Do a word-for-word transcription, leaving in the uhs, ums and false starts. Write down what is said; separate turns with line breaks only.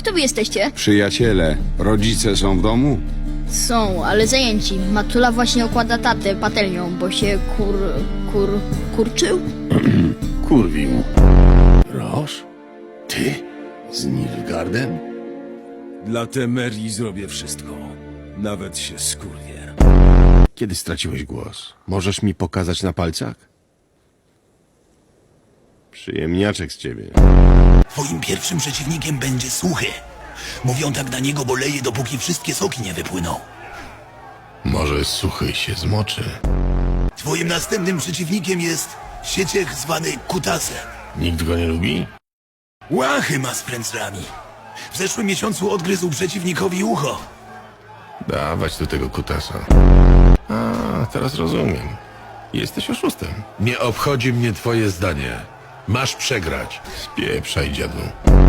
kto wy jesteście?
Przyjaciele, rodzice są w domu?
Są, ale zajęci. Matula właśnie okłada tatę patelnią, bo się kur... kur... kurczył?
Kurwił. Roż? Ty? Z Nilfgaardem?
Dla Temerii zrobię wszystko. Nawet się skurwię.
Kiedy straciłeś głos? Możesz mi pokazać na palcach? Przyjemniaczek z ciebie.
Twoim pierwszym przeciwnikiem będzie Suchy. Mówią tak na niego, bo leje, dopóki wszystkie soki nie wypłyną.
Może Suchy się zmoczy.
Twoim następnym przeciwnikiem jest sieciech zwany Kutasem.
Nikt go nie lubi?
Łachy ma z frędzlami. W zeszłym miesiącu odgryzł przeciwnikowi ucho.
Dawać do tego kutasa. A, teraz rozumiem. Jesteś oszustem.
Nie obchodzi mnie twoje zdanie. Masz przegrać.
Spieprzaj, dziadu.